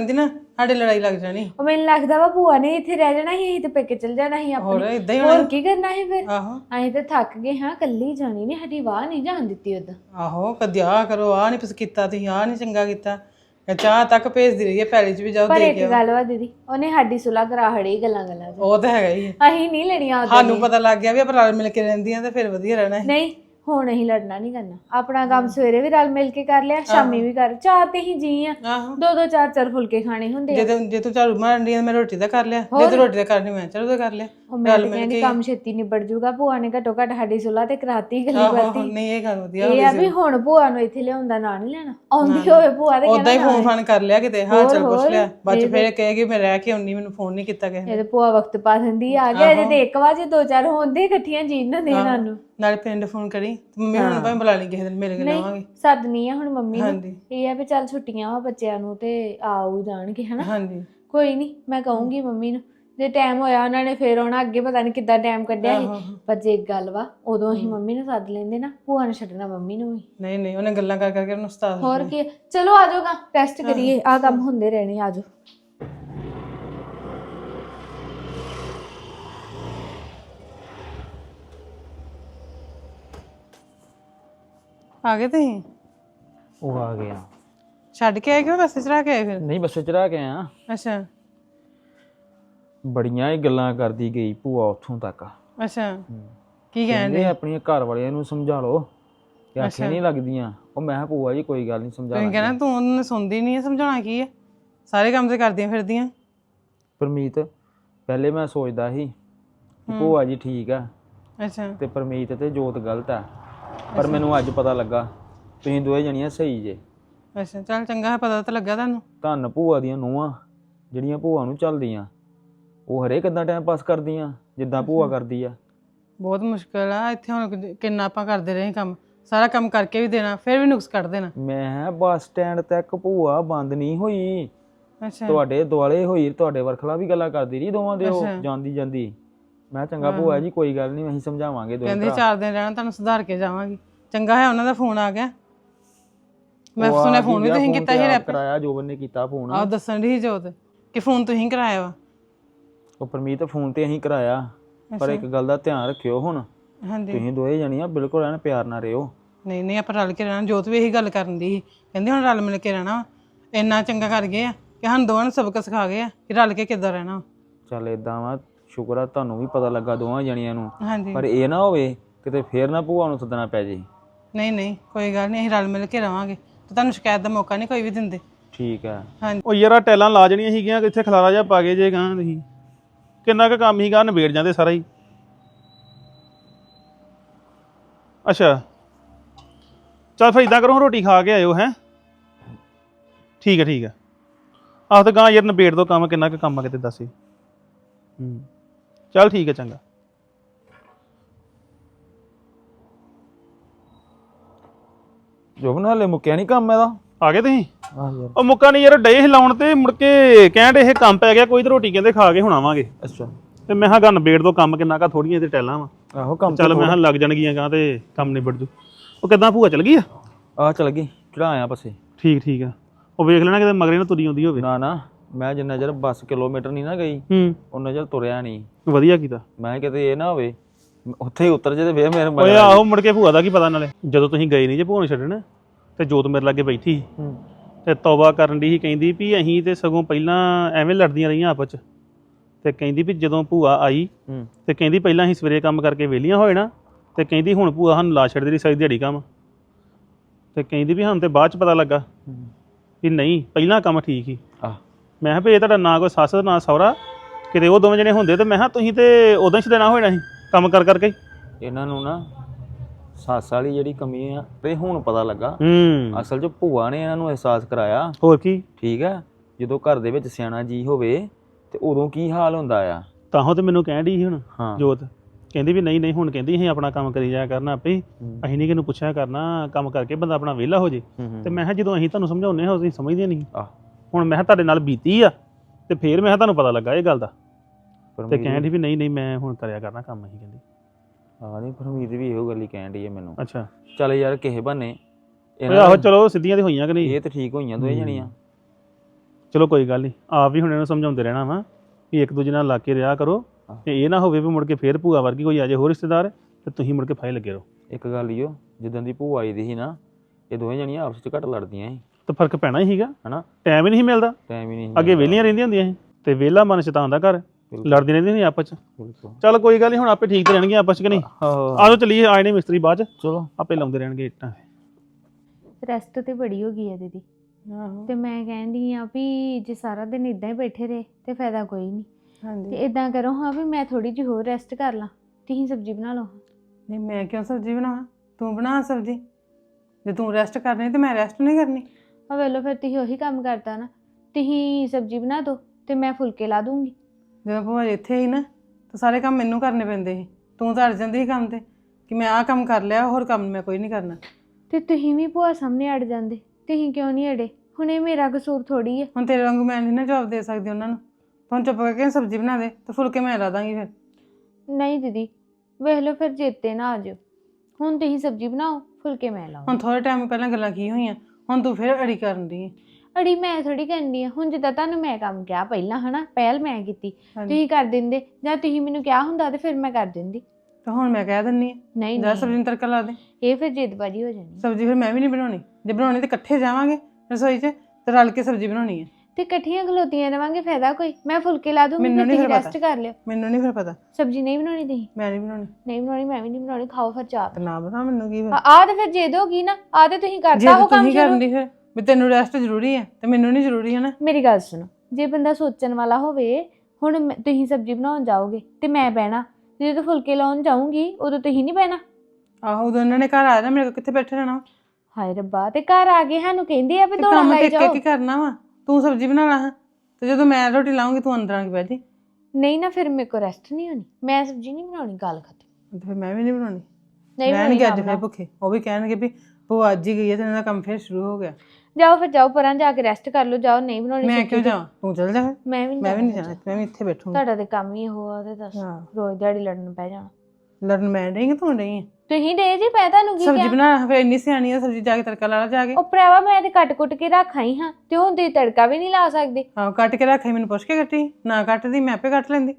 [SPEAKER 1] ਸਾਡੇ ਲੜਾਈ ਲੱਗ ਜਾਣੀ।
[SPEAKER 3] ਉਹ ਮੈਨੂੰ ਲੱਗਦਾ ਵਾ ਭੂਆ ਨੇ ਇੱਥੇ ਰਹਿ ਜਾਣਾ ਸੀ, ਅਸੀਂ ਤੇ ਪੇਕੇ ਚਲ ਜਾਣਾ ਸੀ
[SPEAKER 1] ਹੋਰ
[SPEAKER 3] ਆਪਣੇ।
[SPEAKER 1] ਇਦਾਂ ਹੀ
[SPEAKER 3] ਹੋਰ
[SPEAKER 1] ਹੋਣਾ।
[SPEAKER 3] ਕੀ ਕਰਨਾ ਸੀ ਫਿਰ?
[SPEAKER 1] ਆਹੋ
[SPEAKER 3] ਅਸੀਂ ਤੇ ਥੱਕ ਗਏ ਹਾਂ, ਕੱਲੀ ਜਾਣੀ ਨੇ ਸਾਡੀ ਵਾਹ ਨਹੀਂ ਜਾਣ ਦਿੱਤੀ ਉਦੋਂ।
[SPEAKER 1] ਆਹੋ ਕਦੀ ਆਹ ਕਰੋ, ਆਹ ਨਹੀਂ ਪਸ ਕੀਤਾ ਤੁਸੀਂ, ਆਹ ਨਹੀਂ ਚੰਗਾ ਕੀਤਾ। ਇਹ ਚਾਹ ਤੱਕ ਭੇਜਦੀ ਰਹੀ ਹੈ, ਪੈਲੀ 'ਚ ਵੀ ਜਾਓ
[SPEAKER 3] ਪਰ
[SPEAKER 1] ਦੇ
[SPEAKER 3] ਇੱਕ
[SPEAKER 1] ਕੇ ਆਓ।
[SPEAKER 3] ਗੱਲ ਵਾ ਦੀਦੀ, ਉਹਨੇ ਸਾਡੀ ਸੁਲਾ ਕਰਾ ਹੜੀ ਗੱਲਾਂ ਗੱਲਾਂ 'ਚ।
[SPEAKER 1] ਉਹ ਤਾਂ ਹੈਗਾ ਹੀ ਹੈ।
[SPEAKER 3] ਅਸੀਂ ਨਹੀਂ ਲੜੀਆਂ ਉਦੋਂ।
[SPEAKER 1] ਸਾਨੂੰ ਪਤਾ ਲੱਗ ਗਿਆ ਵੀ ਆਪਾਂ ਰਲ ਮਿਲ ਕੇ ਰਹਿੰਦੀਆਂ ਤੇ ਫਿਰ ਵਧੀਆ ਰਹਿਣਾ ਸੀ।
[SPEAKER 3] ਨਹੀਂ ਹੁਣ ਅਸੀਂ ਲੜਨਾ ਨਹੀਂ ਕਰਨਾ, ਆਪਣਾ ਕੰਮ ਸਵੇਰੇ ਵੀ ਰਲ ਮਿਲ ਕੇ ਕਰ ਲਿਆ, ਸ਼ਾਮੀ ਵੀ ਕਰ। ਚਾਰ ਤੇ ਹੀ ਜੀ ਆ,
[SPEAKER 1] ਆਹੋ
[SPEAKER 3] ਦੋ ਦੋ ਚਾਰ ਚਾਰ ਫੁਲਕੇ ਖਾਣੇ ਹੁੰਦੇ ਆ।
[SPEAKER 1] ਜੇ ਤੂੰ ਝਾੜੂ ਮਾਰਨੀ ਆ ਮੈਂ ਰੋਟੀ ਦਾ ਕਰ ਲਿਆ, ਜੇ ਤੂੰ ਰੋਟੀ ਦਾ ਕਰਨੀ ਮੈਂ ਚਲੋ ਕਰ ਲਿਆ।
[SPEAKER 3] ਉਹ ਮੈਂ ਤੇ ਕਹਿੰਦੀ ਕੰਮ ਛੇਤੀ ਨਿਬੜ ਜੂਗਾ। ਭੂਆ ਨੇ ਘੱਟੋ ਘੱਟ ਸਾਡੀ ਸੁਲਾ ਤੇ ਕਰਾਤੀ, ਗੱਲੀ ਬਾਤੀ।
[SPEAKER 1] ਨਹੀਂ ਇਹ ਗੱਲ ਵਧੀਆ
[SPEAKER 3] ਇਹ ਆ ਵੀ ਹੁਣ ਭੂਆ ਨੂੰ ਇੱਥੇ ਲਿਆਉਣ ਦਾ ਨਾਂ ਨਹੀਂ ਲੈਣਾ, ਆਉਂਦੀ ਹੋਵੇ ਭੂਆ ਤੇ
[SPEAKER 1] ਉਦਾਂ ਹੀ ਫੋਨ ਫਾਨ ਕਰ ਲਿਆ ਕਿਤੇ, ਹਾਲ ਚਾਲ ਪੁੱਛ ਲਿਆ, ਬਾਅਦ ਚ ਫਿਰ ਕਹੇਗੀ ਮੈਂ ਰਹਿ ਕੇ ਆਉਣੀ, ਮੈਨੂੰ ਫੋਨ ਨਹੀਂ ਕੀਤਾ ਕਿਸੇ ਨੇ।
[SPEAKER 3] ਇਹ ਤੇ ਭੂਆ ਵਕਤ ਪਾ ਦਿੰਦੀ ਆ ਗਿਆ ਜੇ ਤੇ 1 ਵਜੇ 2-4 ਹੁੰਦੇ ਇਕੱਠੀਆਂ ਜੀਣ ਨਾ ਦੇਣਾ ਨੂੰ।
[SPEAKER 1] ਨਾਲੇ ਪਿੰਡ ਫੋਨ ਕਰੀ, ਮੰਮੀ ਹੁਣ ਭਾਵੇਂ ਬੁਲਾ ਲਈ ਕਿਸੇ ਦਿਨ, ਮਿਲ ਕੇ ਲਾਵਾਂਗੇ।
[SPEAKER 3] ਸੱਦਨੀ ਆ ਹੁਣ ਮੰਮੀ ਨੂੰ।
[SPEAKER 1] ਹਾਂਜੀ
[SPEAKER 3] ਇਹ ਆ ਵੀ ਚੱਲ ਛੁੱਟੀਆਂ ਵਾ ਬੱਚਿਆਂ ਨੂੰ ਤੇ ਆਉ ਜਾਣਗੇ ਹਨਾ।
[SPEAKER 1] ਹਾਂਜੀ
[SPEAKER 3] ਕੋਈ ਨਹੀਂ, ਮੈਂ ਕਹੂੰਗੀ ਮੰਮੀ ਨੂੰ, ਜੇ ਟਾਈਮ ਹੋਇਆ ਉਹਨਾਂ ਨੇ ਫੇਰ ਆਉਣਾ। ਅੱਗੇ ਪਤਾ ਨਹੀਂ ਕਿੱਦਾਂ ਟਾਈਮ ਕੱਢਿਆ ਸੀ, ਪਰ ਜੇ ਇੱਕ ਗੱਲ ਵਾ ਉਦੋਂ ਅਸੀਂ ਮੰਮੀ ਨੂੰ ਸੱਦ ਲੈਂਦੇ ਨਾ, ਭੂਆ ਨੇ ਛੱਡਣਾ ਮੰਮੀ ਨੂੰ ਵੀ।
[SPEAKER 1] ਨਹੀਂ ਉਹਨੇ ਗੱਲਾਂ ਕਰ ਕਰਕੇ ਉਹਨੂੰ ਉਸਤਾਦ।
[SPEAKER 3] ਹੋਰ ਕੀ, ਚਲੋ ਆ ਜਾਓਗਾ, ਟੈਸਟ ਕਰੀਏ, ਆਹ ਕੰਮ ਹੁੰਦੇ ਰਹਿਣੇ, ਆ ਜਾਓ।
[SPEAKER 1] ਆ ਗਏ ਤੁਸੀਂ?
[SPEAKER 5] ਉਹ ਆ ਗਿਆ।
[SPEAKER 1] ਛੱਡ ਕੇ ਆਏ ਕਿ ਬੱਸੇ ਚੜਾ ਕੇ ਆਏ ਫਿਰ?
[SPEAKER 5] ਨਹੀਂ ਬੱਸੇ ਚੜਾ ਕੇ ਆ।
[SPEAKER 1] ਅੱਛਾ
[SPEAKER 5] ਬੜੀਆਂ ਹੀ ਗੱਲਾਂ ਕਰਦੀ ਗਈ ਭੂਆ ਉੱਥੋਂ ਤੱਕ।
[SPEAKER 1] ਅੱਛਾ ਕੀ ਕਹਿਣ
[SPEAKER 5] ਕਹਿੰਦੇ ਆਪਣੀਆਂ ਘਰ ਵਾਲਿਆਂ ਨੂੰ ਸਮਝਾ ਲਓ ਕਿ ਆਖੇ ਨਹੀਂ ਲੱਗਦੀਆਂ। ਉਹ ਮੈਂ ਕਿਹਾ ਭੂਆ ਜੀ ਕੋਈ ਗੱਲ ਨਹੀਂ ਸਮਝਾ
[SPEAKER 1] ਤੁਸੀਂ ਕਹਿਣਾ ਤੂੰ ਉਹਨੂੰ ਸੁਣਦੀ ਨਹੀਂ ਹੈ, ਸਮਝਾਉਣਾ ਕੀ ਹੈ, ਸਾਰੇ ਕੰਮ ਤੇ ਕਰਦੀਆਂ ਫਿਰਦੀਆਂ।
[SPEAKER 5] ਪਰਮੀਤ ਪਹਿਲੇ ਮੈਂ ਸੋਚਦਾ ਸੀ ਕਿ ਭੂਆ ਜੀ ਠੀਕ ਆ
[SPEAKER 1] ਅੱਛਾ
[SPEAKER 5] ਤੇ ਪਰਮੀਤ ਤੇ ਜੋਤ ਗਲਤ ਆ, ਪਰ ਮੈਨੂੰ ਅੱਜ ਪਤਾ ਲੱਗਾ ਤੁਸੀਂ ਦੋਵੇਂ ਜਣੀਆਂ ਸਹੀ ਜੇ।
[SPEAKER 1] ਅੱਛਾ ਚੱਲ ਚੰਗਾ, ਪਤਾ ਤਾਂ ਲੱਗਾ ਤੁਹਾਨੂੰ।
[SPEAKER 5] ਧੰਨ ਭੂਆ ਦੀਆਂ ਨੂੰਹਾਂ ਜਿਹੜੀਆਂ ਭੂਆ ਨੂੰ ਚੱਲਦੀਆਂ, ਉਹ ਹਰੇਕ ਕਿੱਦਾਂ ਟਾਈਮ ਪਾਸ ਕਰਦੀਆਂ ਜਿੱਦਾਂ ਭੂਆ ਕਰਦੀ ਆ।
[SPEAKER 1] ਬਹੁਤ ਮੁਸ਼ਕਿਲ ਆ ਇੱਥੇ ਹੁਣ, ਕਿੰਨਾ ਆਪਾਂ ਕਰਦੇ ਰਹੇ ਕੰਮ, ਸਾਰਾ ਕੰਮ ਕਰਕੇ ਵੀ ਦੇਣਾ, ਫਿਰ ਵੀ ਨੁਕਸ ਕੱਢ ਦੇਣਾ।
[SPEAKER 5] ਮੈਂ ਬੱਸ ਸਟੈਂਡ ਤੱਕ ਭੂਆ ਬੰਦ ਨਹੀਂ ਹੋਈ,
[SPEAKER 1] ਅੱਛਾ
[SPEAKER 5] ਤੁਹਾਡੇ ਦੁਆਲੇ ਹੋਈ, ਤੁਹਾਡੇ ਵਰਖਲਾ ਵੀ ਗੱਲਾਂ ਕਰਦੀ ਰਹੀ ਦੋਵਾਂ ਦੇ। ਉਹ ਜਾਂਦੀ ਜਾਂਦੀ ਮੈਂ ਚੰਗਾ ਭੂਆ ਜੀ ਕੋਈ ਗੱਲ ਨਹੀਂ, ਅਸੀਂ ਸਮਝਾਵਾਂਗੇ।
[SPEAKER 1] ਕਹਿੰਦੇ 4 ਦਿਨ ਰਹਿਣਾ, ਤੁਹਾਨੂੰ ਸੁਧਾਰ ਕੇ ਜਾਵਾਂਗੀ। ਚੰਗਾ ਹੈ ਉਹਨਾਂ ਦਾ ਫੋਨ ਆ ਗਿਆ, ਮੈਂ ਸੁਣਿਆ ਫੋਨ ਵੀ ਤੁਸੀਂ ਕੀਤਾ ਸੀ। ਰੈਪ
[SPEAKER 5] ਕਰਾਇਆ ਜੋਬਨ ਨੇ ਕੀਤਾ ਫੋਨ।
[SPEAKER 1] ਆਹ ਦੱਸਣ ਦੀ ਜੋਤ ਕਿ ਫੋਨ ਤੁਸੀਂ ਕਰਾਇਆ ਵਾ।
[SPEAKER 5] ਉਹ ਪਰਮੀਤ ਫੋਨ ਤੇ ਅਸੀਂ ਕਰਾਇਆ, ਪਰ ਇੱਕ ਗੱਲ ਦਾ ਧਿਆਨ ਰੱਖਿਓ ਹੁਣ,
[SPEAKER 1] ਹਾਂਜੀ
[SPEAKER 5] ਤੁਸੀਂ ਦੋਵੇਂ ਜਣੀਆਂ ਬਿਲਕੁਲ ਐਨ ਪਿਆਰ ਨਾਲ ਰਹੋ।
[SPEAKER 1] ਨਹੀਂ ਆਪਾਂ ਰਲ ਕੇ ਰਹਿਣਾ। ਜੋਤ ਵੀ ਇਹੀ ਗੱਲ ਕਰਨ ਦੀ ਸੀ, ਕਹਿੰਦੀ ਹੁਣ ਰਲ ਮਿਲ ਕੇ ਰਹਿਣਾ। ਇੰਨਾ ਚੰਗਾ ਕਰ ਗਏ ਆ ਕਿ ਸਾਨੂੰ ਦੋਵਾਂ ਨੂੰ ਸਬਕ ਸਿਖਾ ਗਏ ਆ ਕਿ ਰਲ ਕੇ ਕਿੱਦਾਂ ਰਹਿਣਾ।
[SPEAKER 5] ਚੱਲ ਏਦਾਂ ਵਾ, ਸ਼ੁਕਰ ਆ ਤੁਹਾਨੂੰ ਵੀ ਪਤਾ ਲੱਗਾ ਦੋਵਾਂ ਜਣੀਆਂ ਨੂੰ।
[SPEAKER 1] ਹਾਂਜੀ
[SPEAKER 5] ਪਰ ਇਹ ਨਾ ਹੋਵੇ ਕਿਤੇ ਫੇਰ ਨਾ ਭੂਆ ਨੂੰ ਸੱਦਣਾ ਪੈ ਜੇ।
[SPEAKER 1] ਨਹੀਂ ਕੋਈ ਗੱਲ ਨਹੀਂ, ਅਸੀਂ ਰਲ ਮਿਲ ਕੇ ਰਵਾਂਗੇ ਤੇ ਤੁਹਾਨੂੰ ਸ਼ਿਕਾਇਤ ਦਾ ਮੌਕਾ ਨਹੀਂ ਕੋਈ ਵੀ ਦਿੰਦੇ।
[SPEAKER 5] ਠੀਕ ਆ।
[SPEAKER 1] ਹਾਂਜੀ
[SPEAKER 4] ਉਹ ਯਾਰ ਟੈਲਾਂ ਲਾ ਜਣੀਆਂ ਸੀਗੀਆਂ, ਇੱਥੇ ਖਲਾਰਾ ਜਿਹਾ ਪਾ ਗਏ ਜੇ ਗਾਂ ਤੁਸੀਂ। ਕਿੰਨਾ ਕੁ ਕੰਮ ਸੀਗਾ, ਨਿਬੇੜ ਜਾਂਦੇ ਸਾਰਾ ਹੀ। ਅੱਛਾ ਚੱਲ ਫਿਰ ਇਦਾਂ ਕਰੋ, ਰੋਟੀ ਖਾ ਕੇ ਆਇਓ। ਹੈ ਠੀਕ ਹੈ ਆਹ ਤਾਂ ਗਾਂ ਯਾਰ ਨਿਬੇੜ ਦੋ ਕੰਮ, ਕਿੰਨਾ ਕੁ ਕੰਮ ਆ ਕਿਤੇ ਦੱਸੇ। ਚੱਲ ਠੀਕ ਹੈ ਚੰਗਾ।
[SPEAKER 5] ਜੋਬਨ ਹਾਲੇ ਮੁੱਕਿਆ ਨਹੀਂ ਕੰਮ ਇਹਦਾ।
[SPEAKER 4] ਆ ਗਏ ਤੁਸੀਂ?
[SPEAKER 5] ਆਹ ਯਾਰ
[SPEAKER 4] ਉਹ ਮੁੱਕਾ ਨਹੀਂ ਯਾਰ, ਡੇ ਹਿਲਾਉਣ ਤੇ ਮੁੜ ਕੇ ਕਹਿਣ ਡੇ ਇਹ ਕੰਮ ਪੈ ਗਿਆ ਕੋਈ, ਤੇ ਰੋਟੀ ਕਹਿੰਦੇ ਖਾ ਕੇ ਹੁਣ ਆਵਾਂਗੇ।
[SPEAKER 5] ਅੱਛਾ
[SPEAKER 4] ਤੇ ਮੈਂ ਕਿਹਾ ਗਾ ਨਿਬੇੜ ਦੋ ਕੰਮ, ਕਿੰਨਾ ਕਾ ਥੋੜੀਆਂ ਤੇ ਟੈਲਾਂ ਵਾ।
[SPEAKER 5] ਆਹੋ ਕੰਮ
[SPEAKER 4] ਚੱਲ ਮੈਂ ਕਿਹਾ ਲੱਗ ਜਾਣਗੀਆਂ ਗਾਂ ਤੇ ਕੰਮ ਨਿਬੜ ਜੂ। ਉਹ ਕਿੱਦਾਂ ਭੂਆ ਚਲ ਗਈ ਆ?
[SPEAKER 5] ਆ ਚਲ ਗਈ, ਚੜਾਇਆ ਪਾਸੇ।
[SPEAKER 4] ਠੀਕ ਆ। ਉਹ ਵੇਖ ਲੈਣਾ ਕਿਤੇ ਮਗਰੇ ਨਾ ਤੁਰੀ ਆਉਂਦੀ ਹੋਵੇ।
[SPEAKER 5] ਨਾ ਮੈਂ ਜਿੰਨਾ ਚਿਰ ਬੱਸ ਕਿਲੋਮੀਟਰ ਨਹੀਂ ਨਾ ਗਈ ਉਹਨਾਂ ਚਿਰ ਤੁਰਿਆ ਨਹੀਂ।
[SPEAKER 4] ਵਧੀਆ ਕੀਤਾ।
[SPEAKER 5] ਮੈਂ ਕਿਤੇ ਇਹ ਨਾ ਹੋਵੇ ਉੱਥੇ ਹੀ ਉਤਰ ਜੇ ਤੇ ਫੇਰ ਮੇਰੇ
[SPEAKER 4] ਓਏ ਆਹੋ ਮੁੜ ਕੇ ਭੂਆ ਦਾ ਕੀ ਪਤਾ। ਨਾਲੇ ਜਦੋਂ ਤੁਸੀਂ ਗਏ ਨਹੀਂ ਜੇ ਭੂਆ ਨੂੰ ਛੱਡਣ, ਤੇ ਜੋਤ ਮੇਰੇ ਲਾਗੇ ਬੈਠੀ ਸੀ ਤੇ ਤੌਬਾ ਕਰਨ ਦੀ ਸੀ, ਕਹਿੰਦੀ ਵੀ ਅਸੀਂ ਤੇ ਸਗੋਂ ਪਹਿਲਾਂ ਐਵੇਂ ਲੜਦੀਆਂ ਰਹੀਆਂ ਆਪਸ ਚ, ਤੇ ਕਹਿੰਦੀ ਵੀ ਜਦੋਂ ਭੂਆ ਆਈ ਤੇ ਕਹਿੰਦੀ ਪਹਿਲਾਂ ਅਸੀਂ ਸਵੇਰੇ ਕੰਮ ਕਰਕੇ ਵਿਹਲੀਆਂ ਹੋਏ ਨਾ, ਤੇ ਕਹਿੰਦੀ ਹੁਣ ਭੂਆ ਸਾਨੂੰ ਲਾ ਛੱਡਦੀ ਰਹੀ ਸਾਰੀ ਦਿਹਾੜੀ ਕੰਮ, ਤੇ ਕਹਿੰਦੀ ਵੀ ਸਾਨੂੰ ਤੇ ਬਾਅਦ ਚ ਪਤਾ ਲੱਗਾ ਵੀ ਨਹੀਂ ਪਹਿਲਾਂ ਕੰਮ ਠੀਕ ਸੀ। ਮੈਂ ਕਿਹਾ ਵੀ ਇਹ ਤੁਹਾਡਾ ਨਾ ਕੋਈ ਸੱਸ ਨਾ ਸਹੁਰਾ, ਕਿਤੇ ਉਹ ਦੋਵੇਂ ਜਣੇ ਹੁੰਦੇ ਤੇ ਮੈਂ ਕਿਹਾ ਤੁਸੀਂ ਤੇ ਉਦੋਂ ਹੀ ਛਦਣਾ ਹੋਣਾ ਸੀ ਕੰਮ ਕਰ ਕਰਕੇ।
[SPEAKER 5] ਇਹਨਾਂ ਨੂੰ ਨਾ ਸੱਸ ਵਾਲੀ ਜਿਹੜੀ ਕਮੀ ਆ ਤੇ ਹੁਣ ਪਤਾ ਲੱਗਾ। ਅਸਲ 'ਚ ਭੂਆ ਨੇ ਇਹਨਾਂ ਨੂੰ ਅਹਿਸਾਸ ਕਰਾਇਆ।
[SPEAKER 4] ਹੋਰ ਕੀ।
[SPEAKER 5] ਠੀਕ ਆ, ਜਦੋਂ ਘਰ ਦੇ ਵਿੱਚ ਸਿਆਣਾ ਜੀ ਹੋਵੇ ਤੇ ਉਦੋਂ ਕੀ ਹਾਲ ਹੁੰਦਾ ਆ।
[SPEAKER 4] ਤਾਂਹੋਂ ਤੇ ਮੈਨੂੰ ਕਹਿਣ ਡਈ ਸੀ ਹੁਣ ਜੋਤ, ਕਹਿੰਦੀ ਵੀ ਨਹੀਂ ਹੁਣ ਕਹਿੰਦੀ ਅਸੀਂ ਆਪਣਾ ਕੰਮ ਕਰੀ ਜਾਇਆ ਕਰਨਾ ਆਪੇ, ਅਸੀਂ ਨਹੀਂ ਕਿਹਨੂੰ ਪੁੱਛਿਆ ਕਰਨਾ, ਕੰਮ ਕਰਕੇ ਬੰਦਾ ਆਪਣਾ ਵਿਹਲਾ ਹੋ ਜੇ। ਤੇ ਮੈਂ ਕਿਹਾ ਜਦੋਂ ਅਸੀਂ ਤੁਹਾਨੂੰ ਸਮਝਾਉਂਦੇ ਹਾਂ ਤੁਸੀਂ ਸਮਝਦੇ ਨਹੀਂ। ਹੁਣ ਮੈਂ ਕਿਹਾ ਤੁਹਾਡੇ ਨਾਲ ਬੀਤੀ ਆ ਤੇ ਫੇਰ ਮੈਂ ਕਿਹਾ ਤੁਹਾਨੂੰ ਪਤਾ ਲੱਗਾ ਇਹ ਗੱਲ ਦਾ, ਤੇ ਕਹਿਣ ਡਈ ਵੀ ਨਹੀਂ ਮੈਂ ਹੁਣ ਕਰਿਆ ਕਰਨਾ ਕੰਮ। ਅਸੀਂ ਕਹਿੰਦੀ
[SPEAKER 5] ਨਹੀਂ ਪਰਮੀਤ ਵੀ ਇਹੋ ਗੱਲ ਹੀ ਕਹਿਣ ਡਈ ਹੈ ਮੈਨੂੰ।
[SPEAKER 4] ਅੱਛਾ
[SPEAKER 5] ਚੱਲ ਯਾਰ ਕਿਸੇ ਬਹਾਨੇ
[SPEAKER 4] ਆਹੋ ਚਲੋ ਸਿੱਧੀਆਂ ਤੇ ਹੋਈਆਂ ਕਿ ਨਹੀਂ?
[SPEAKER 5] ਇਹ ਤੇ ਠੀਕ ਹੋਈਆਂ ਦੋਵੇਂ ਜਣੀਆਂ।
[SPEAKER 4] ਚਲੋ ਕੋਈ ਗੱਲ ਨਹੀਂ, ਆਪ ਵੀ ਹੁਣ ਇਹਨੂੰ ਸਮਝਾਉਂਦੇ ਰਹਿਣਾ ਵਾ ਵੀ ਇੱਕ ਦੂਜੇ ਨਾਲ ਲਾ ਕੇ ਰਿਹਾ ਕਰੋ, ਤੇ ਇਹ ਨਾ ਹੋਵੇ ਵੀ ਮੁੜ ਕੇ ਫੇਰ ਭੂਆ ਵਰਗੀ ਕੋਈ ਆ ਜਾਏ ਹੋਰ ਰਿਸ਼ਤੇਦਾਰ ਤੇ ਤੁਸੀਂ ਮੁੜ ਕੇ ਫਾਇ ਲੱਗੇ ਰਹੋ।
[SPEAKER 5] ਇੱਕ ਗੱਲ ਈ ਓ, ਜਿੱਦਾਂ ਦੀ ਭੂਆ ਆਈ ਦੀ ਸੀ ਨਾ, ਇਹ ਦੋਵੇਂ ਜਣੀਆਂ ਆਪਸ ਚ ਘੱਟ ਲੜਦੀਆਂ ਸੀ
[SPEAKER 4] ਤਾਂ ਫਰਕ ਪੈਣਾ ਹੀ ਸੀਗਾ,
[SPEAKER 5] ਹਨਾ।
[SPEAKER 4] ਟਾਈਮ ਹੀ ਨਹੀਂ ਸੀ ਮਿਲਦਾ।
[SPEAKER 5] ਟਾਈਮ ਹੀ ਨਹੀਂ
[SPEAKER 4] ਅੱਗੇ ਵਿਹਲੀਆਂ ਰਹਿੰਦੀਆਂ ਹੁੰਦੀਆਂ ਸੀ ਤੇ ਵਿਹਲਾ ਮਨ ਸ਼ੈਤਾਨ ਦਾ ਘਰ, ਲੜਦੀਆਂ ਰਹਿੰਦੀਆਂ ਸੀ ਆਪਸ ਚ।
[SPEAKER 5] ਬਿਲਕੁਲ।
[SPEAKER 4] ਚੱਲ ਕੋਈ ਗੱਲ ਨਹੀਂ, ਹੁਣ ਆਪੇ ਠੀਕ ਤੇ ਰਹਿਣਗੀਆਂ ਆਪਸ ਚ ਕਿ ਨਹੀਂ।
[SPEAKER 5] ਆਹੋ
[SPEAKER 4] ਆਜੋ ਚੱਲੀਏ, ਆਏ ਨੇ ਮਿਸਤਰੀ ਬਾਅਦ ਚ,
[SPEAKER 5] ਚਲੋ।
[SPEAKER 4] ਆਪੇ ਲਾਉਂਦੇ ਰਹਿਣਗੇ ਇੱਟਾਂ।
[SPEAKER 3] ਰੈਸਟ ਤੇ ਬੜੀ ਹੋ ਗਈ ਹੈ ਦੀਦੀ,
[SPEAKER 1] ਆਹੋ
[SPEAKER 3] ਤੇ ਮੈਂ ਕਹਿੰਦੀ ਆ ਵੀ ਜੇ ਸਾਰਾ ਦਿਨ ਇਦਾਂ ਹੀ ਬੈਠੇ ਰਹੇ ਤੇ ਫਾਇਦਾ ਕੋਈ ਨਹੀਂ। ਤੇ
[SPEAKER 1] ਹਾਂਜੀ।
[SPEAKER 3] ਇਦਾਂ ਕਰੋ ਹਾਂ ਵੀ ਮੈਂ ਥੋੜੀ ਜਿਹੀ ਹੋਰ ਰੈਸਟ ਕਰ ਲਾਂ, ਤੁਸੀਂ ਸਬਜ਼ੀ ਬਣਾ ਲਓ।
[SPEAKER 1] ਨਹੀਂ ਮੈਂ ਕਿਉਂ ਸਬਜ਼ੀ ਬਣਾਵਾਂ, ਤੂੰ ਬਣਾ ਸਬਜ਼ੀ। ਜੇ ਤੂੰ ਰੈਸਟ ਕਰਨੀ ਤੇ ਮੈਂ ਰੈਸਟ ਨਹੀਂ ਕਰਨੀ।
[SPEAKER 3] ਆ ਵੇਲੋ ਫਿਰ ਤੁਸੀਂ ਉਹੀ ਕੰਮ ਕਰਤਾ ਨਾ, ਤੁਸੀਂ ਸਬਜ਼ੀ ਬਣਾ ਦਿਓ ਤੇ ਮੈਂ ਫੁਲਕੇ ਲਾ ਦੂੰਗੀ।
[SPEAKER 1] ਜਦੋਂ ਭੂਆ ਜੀ ਇੱਥੇ ਸੀ ਨਾ ਤਾਂ ਸਾਰੇ ਕੰਮ ਮੈਨੂੰ ਕਰਨੇ ਪੈਂਦੇ ਸੀ, ਤੂੰ ਤਾਂ ਅੜ ਜਾਂਦੀ ਸੀ ਕੰਮ ਤੇ ਕਿ ਮੈਂ ਆਹ ਕੰਮ ਕਰ ਲਿਆ, ਹੋਰ ਕੰਮ ਮੈਂ ਕੋਈ ਨਹੀਂ ਕਰਨਾ।
[SPEAKER 3] ਤੇ ਤੁਸੀਂ ਵੀ ਭੂਆ ਸਾਹਮਣੇ ਅੜ ਜਾਂਦੇ, ਤੁਸੀਂ ਕਿਉਂ ਨਹੀਂ ਅੜੇ? ਹੁਣ ਇਹ ਮੇਰਾ ਕਸੂਰ ਥੋੜੀ ਹੈ।
[SPEAKER 1] ਹੁਣ ਤੇਰੇ ਵਾਂਗੂ ਮੈਂ ਨਹੀਂ ਨਾ ਜਵਾਬ ਦੇ ਸਕਦੀ ਉਹਨਾਂ ਨੂੰ। ਤੂੰ ਚੁੱਪ ਕਰਕੇ ਸਬਜ਼ੀ ਬਣਾ ਦੇ ਤੇ ਫੁਲਕੇ ਮੈਂ ਲਾ ਦਾਂਗੀ ਫਿਰ।
[SPEAKER 3] ਨਹੀਂ ਦੀਦੀ ਵੇਖ ਲਓ ਫਿਰ ਚੇਤੇ ਨਾ ਆ ਜਾਓ, ਹੁਣ ਤੁਸੀਂ ਸਬਜ਼ੀ ਬਣਾਓ ਫੁਲਕੇ ਮੈਂ ਲਾਵਾਂ।
[SPEAKER 1] ਹੁਣ ਥੋੜੇ ਟਾਈਮ ਪਹਿਲਾਂ ਗੱਲਾਂ ਕੀ ਹੋਈਆਂ, ਹੁਣ ਤੂੰ ਫਿਰ ਅੜੀ ਕਰਨ ਦੀ।
[SPEAKER 3] ਅੜੀ ਮੈਂ ਥੋੜੀ ਕਰਨੀ ਆ, ਹੁਣ ਜਿੱਦਾਂ ਤੁਹਾਨੂੰ ਮੈਂ ਕੰਮ ਕਿਹਾ ਪਹਿਲਾਂ ਹਨਾ, ਪਹਿਲ ਮੈਂ ਕੀਤੀ, ਤੁਸੀਂ ਕਰ ਦਿੰਦੇ, ਜਾਂ ਤੁਸੀਂ ਮੈਨੂੰ ਕਿਹਾ ਹੁੰਦਾ ਤੇ ਫਿਰ ਮੈਂ ਕਰ ਦਿੰਦੀ।
[SPEAKER 1] ਤਾਂ ਹੁਣ ਮੈਂ ਕਹਿ ਦਿੰਨੀ ਆ
[SPEAKER 3] ਨਹੀਂ
[SPEAKER 1] ਜਾ
[SPEAKER 3] ਨਹੀਂ,
[SPEAKER 1] ਸਬਜ਼ੀ ਨੂੰ ਤੜਕਾ ਲਾ ਦੇ।
[SPEAKER 3] ਇਹ ਫਿਰ ਜਿੱਦਬਾਜੀ ਹੋ ਜਾਣੀ।
[SPEAKER 1] ਸਬਜ਼ੀ ਫਿਰ ਮੈਂ ਵੀ ਨਹੀਂ ਬਣਾਉਣੀ, ਜੇ ਬਣਾਉਣੀ ਤੇ ਇਕੱਠੇ ਜਾਵਾਂਗੇ ਰਸੋਈ 'ਚ ਤੇ ਰਲ ਕੇ ਸਬਜ਼ੀ ਬਣਾਉਣੀ ਹੈ।
[SPEAKER 3] ਤੇ ਇਕੱਠੀਆਂ ਖਲੋਤੀਆਂ ਰਵਾਂਗੇ ਫਾਇਦਾ ਕੋਈ? ਮੈਂ ਫੁਲਕੇ ਲਾ ਦੂੰਗੀ,
[SPEAKER 1] ਮੈਨੂੰ
[SPEAKER 3] ਫਿਰ
[SPEAKER 1] ਨਹੀਂ
[SPEAKER 3] ਤੁਸੀਂ
[SPEAKER 1] ਫਿਰ
[SPEAKER 3] ਰੈਸਟ ਕਰ ਲਿਓ।
[SPEAKER 1] ਮੈਨੂੰ ਨਹੀਂ ਫਿਰ ਪਤਾ,
[SPEAKER 3] ਸਬਜ਼ੀ ਨਹੀਂ ਬਣਾਉਣੀ ਤੁਸੀਂ?
[SPEAKER 1] ਮੈਂ ਨਹੀਂ ਬਣਾਉਣੀ।
[SPEAKER 3] ਨਹੀਂ ਬਣਾਉਣੀ, ਮੈਂ ਵੀ ਨਹੀਂ ਬਣਾਉਣੀ, ਖਾਓ ਫਿਰ ਚਾਹ।
[SPEAKER 1] ਤੇ ਨਾ ਬਣਾ, ਮੈਨੂੰ ਕੀ ਫਿਰ।
[SPEAKER 3] ਆ ਤੇ ਫਿਰ ਜਿੱਦ ਹੋ ਗਈ ਨਾ, ਆ ਤੇ ਤੁਸੀਂ
[SPEAKER 1] ਜੇ
[SPEAKER 3] ਕਰਤਾ ਉਹ
[SPEAKER 1] ਤੂੰ
[SPEAKER 3] ਕੰਮ
[SPEAKER 1] ਹੀ
[SPEAKER 3] ਸ਼ੁਰੂ।
[SPEAKER 1] ਕਰਨ ਦੀ ਫਿਰ ਵੀ ਤੈਨੂੰ ਰੈਸਟ ਜ਼ਰੂਰੀ ਹੈ ਤੇ ਮੈਨੂੰ ਨਹੀਂ ਜ਼ਰੂਰੀ ਹੈ ਨਾ।
[SPEAKER 3] ਮੇਰੀ ਗੱਲ ਸੁਣੋ, ਜੇ ਬੰਦਾ ਸੋਚਣ ਵਾਲਾ ਹੋਵੇ, ਹੁਣ ਤੁਸੀਂ ਸਬਜ਼ੀ ਬਣਾਉਣ ਜਾਓਗੇ ਤੇ ਮੈਂ ਬਹਿਣਾ, ਜਦੋਂ ਫੁਲਕੇ ਲਾਉਣ ਜਾਊਂਗੀ ਉਦੋਂ ਤੁਸੀਂ ਨਹੀਂ ਬਹਿਣਾ।
[SPEAKER 1] ਆਹੋ ਉਦੋਂ ਇਹਨਾਂ ਨੇ ਘਰ ਆ ਜਾਣਾ, ਮੇਰੇ ਕੋਲ ਕਿੱਥੇ ਬੈਠੇ ਰਹਿਣਾ।
[SPEAKER 3] ਹਾਏ ਰੱਬਾ, ਤੇ ਘਰ ਆ ਗਏ ਸਾਨੂੰ ਕਹਿੰਦੇ ਆ ਵੀ
[SPEAKER 1] ਤੇ
[SPEAKER 3] ਦੌੜਾਂ
[SPEAKER 1] ਕੰਮ ਤੇ
[SPEAKER 3] ਲਾਈ
[SPEAKER 1] ਇੱਕ
[SPEAKER 3] ਜਾਓ।
[SPEAKER 1] ਇੱਕ ਕਰਨਾ ਵਾ, ਤੂੰ ਸਬਜ਼ੀ ਬਣਾਉਣਾ ਹੈ ਤੇ ਜਦੋਂ ਮੈਂ ਰੋਟੀ ਲਾਉਂਗੀ ਤੂੰ ਅੰਦਰ ਆ ਕੇ ਬਹਿ ਜੀ।
[SPEAKER 3] ਨਹੀਂ ਨਾ, ਫਿਰ ਮੇਰੇ ਕੋਲ ਰੈਸਟ ਨਹੀਂ ਹੋਣੀ, ਮੈਂ ਸਬਜ਼ੀ ਨਹੀਂ ਬਣਾਉਣੀ, ਗੱਲ ਖਤਮ।
[SPEAKER 1] ਤੇ ਫਿਰ ਮੈਂ ਵੀ ਨਹੀਂ ਬਣਾਉਣੀ।
[SPEAKER 3] ਨਹੀਂ ਬਣਾਉਣੀ,
[SPEAKER 1] ਰਹਿਣਗੇ ਅੱਜ
[SPEAKER 3] ਨਾ
[SPEAKER 1] ਫਿਰ ਭੁੱਖੇ, ਉਹ ਵੀ ਕਹਿਣਗੇ ਵੀ ਉਹ ਅੱਜ ਹੀ ਗਈ ਹੈ ਤੇ ਇਹਨਾਂ ਦਾ ਕੰਮ ਫਿਰ ਸ਼ੁਰੂ ਹੋ ਗਿਆ।
[SPEAKER 3] ਜਾਓ ਫਿਰ, ਜਾਓ ਪਰਾਂ ਜਾ ਕੇ ਰੈਸਟ ਕਰ ਲਓ, ਜਾਓ। ਨਹੀਂ ਬਣਾਉਣੀ
[SPEAKER 1] ਮੈਂ
[SPEAKER 3] ਸਬਜ਼ੀ
[SPEAKER 1] ਕਿਉਂ
[SPEAKER 3] ਤੇ
[SPEAKER 1] ਜਾਵਾਂ, ਤੂੰ ਚੱਲ ਜਾ ਫਿਰ।
[SPEAKER 3] ਮੈਂ ਵੀ
[SPEAKER 1] ਮੈਂ ਵੀ ਨਹੀਂ ਜਾਣਾ, ਮੈਂ ਵੀ ਇੱਥੇ ਬੈਠੂੰਗੀ।
[SPEAKER 3] ਤੁਹਾਡਾ ਤੇ ਕੰਮ ਹੀ ਇਹੋ ਆ, ਤੇ ਦੱਸ
[SPEAKER 1] ਹਾਂ।
[SPEAKER 3] ਰੋਜ਼ ਦਿਹਾੜੀ ਲੜਨ ਪੈ ਜਾਣਾ।
[SPEAKER 1] ਲੜਨ ਮੈਂ ਰਹੀ ਤੂੰ ਰਹੀ
[SPEAKER 3] ਤੁਸੀਂ ਦੇ ਜੀ, ਮੈਂ ਤੁਹਾਨੂੰ ਕੀ
[SPEAKER 1] ਸਬਜ਼ੀ
[SPEAKER 3] ਕਿਹਾ?
[SPEAKER 1] ਬਣਾ, ਫਿਰ ਇੰਨੀ ਸਿਆਣੀ ਆ, ਸਬਜ਼ੀ ਜਾ ਕੇ ਤੜਕਾ ਲਾ ਲਾ ਜਾ ਕੇ।
[SPEAKER 3] ਉਹ ਭਰਾਵਾ ਮੈਂ ਤੇ ਕੱਟ-ਕੁੱਟ ਕੇ ਰੱਖ ਆਈ ਹਾਂ, ਤੇ ਹੁਣ ਤੁਸੀਂ ਤੜਕਾ ਵੀ ਨਹੀਂ ਲਾ ਸਕਦੇ।
[SPEAKER 1] ਹਾਂ ਕੱਟ ਕੇ ਰੱਖੀ, ਮੈਨੂੰ ਪੁੱਛ ਕੇ ਕੱਟੀ, ਨਾ ਕੱਟਦੀ ਮੈਂ ਆਪੇ ਕੱਟ ਲੈਂਦੀ।